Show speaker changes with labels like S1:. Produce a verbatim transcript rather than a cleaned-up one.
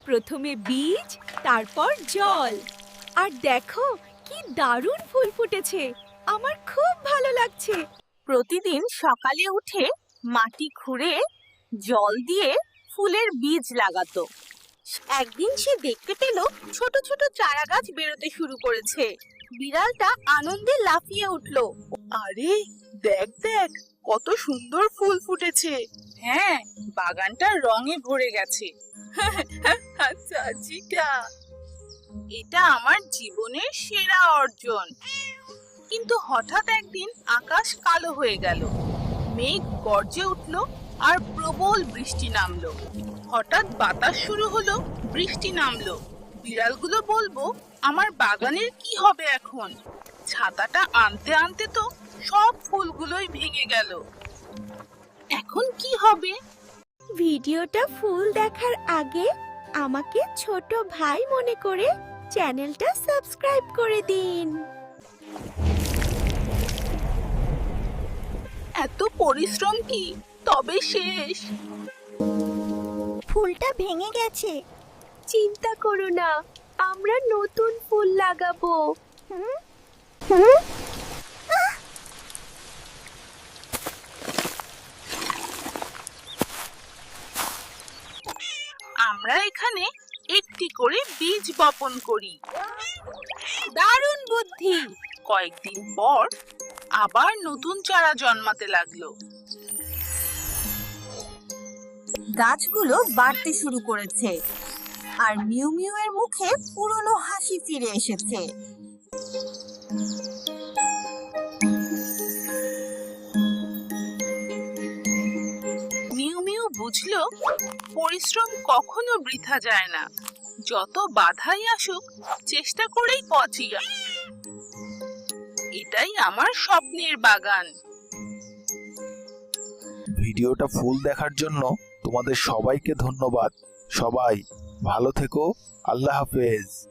S1: প্রথমে বীজ, তারপর জল। আর দেখো কি দারুণ ফুল ফুটেছে, আমার খুব ভালো লাগছে।
S2: প্রতিদিন সকালে উঠে মাটি খুঁড়ে জল দিয়ে ফুলের বীজ লাগাতো। একদিন সে দেখতে পেল ছোট ছোট চারা গাছ বেরোতে শুরু করেছে। বিড়ালটা আনন্দে লাফিয়ে উঠল।
S3: আরে দেখ দেখ, কত সুন্দর ফুল ফুটেছে। হ্যাঁ, বাগানটা রঙে ভরে গেছে। চাচিটা, এটা আমার জীবনের সেরা অর্জন। কিন্তু হঠাৎ একদিন আকাশ কালো হয়ে গেল, মেঘ গর্জে উঠল আর প্রবল বৃষ্টি নামলো। হঠাৎ বাতাস শুরু হলো, বৃষ্টি নামলো। বিড়ালগুলো বলবো আমার বাগানের কি হবে এখন? ছাতাটা আনতে আনতে তো সব ফুলগুলোই ভেঙে গেল। এখন কি হবে?
S1: ভিডিওটা ফুল দেখার আগে আমাকে ছোট ভাই মনে করে চ্যানেলটা সাবস্ক্রাইব করে দিন।
S3: এত পরিশ্রম কি তবে শেষ?
S1: ফুলটা ভেঙে গেছে, চিন্তা করো না, আমরা নতুন ফুল লাগাবো। হুম হুম
S3: আমরা এখানে একটি করে বীজ বপন করি।
S2: দারুণ বুদ্ধি।
S3: কয়েকদিন পর আবার নতুন চারা জন্মাতে লাগলো।
S2: গাছগুলো বাড়তে শুরু করেছে আর মিউ মিউ এর মুখে পুরনো হাসি ফিরে এসেছে।
S3: মিউ মিউ বুঝলো পরিশ্রম কখনো বৃথা যায় না। যত বাধাই আসুক, চেষ্টা করেই পৌঁছিয়া। এটাই আমার স্বপ্নের বাগান।
S4: ভিডিওটা ফুল দেখার জন্য তোমাদের সবাইকে ধন্যবাদ। সবাই ভালো থেকো। আল্লাহ হাফেজ।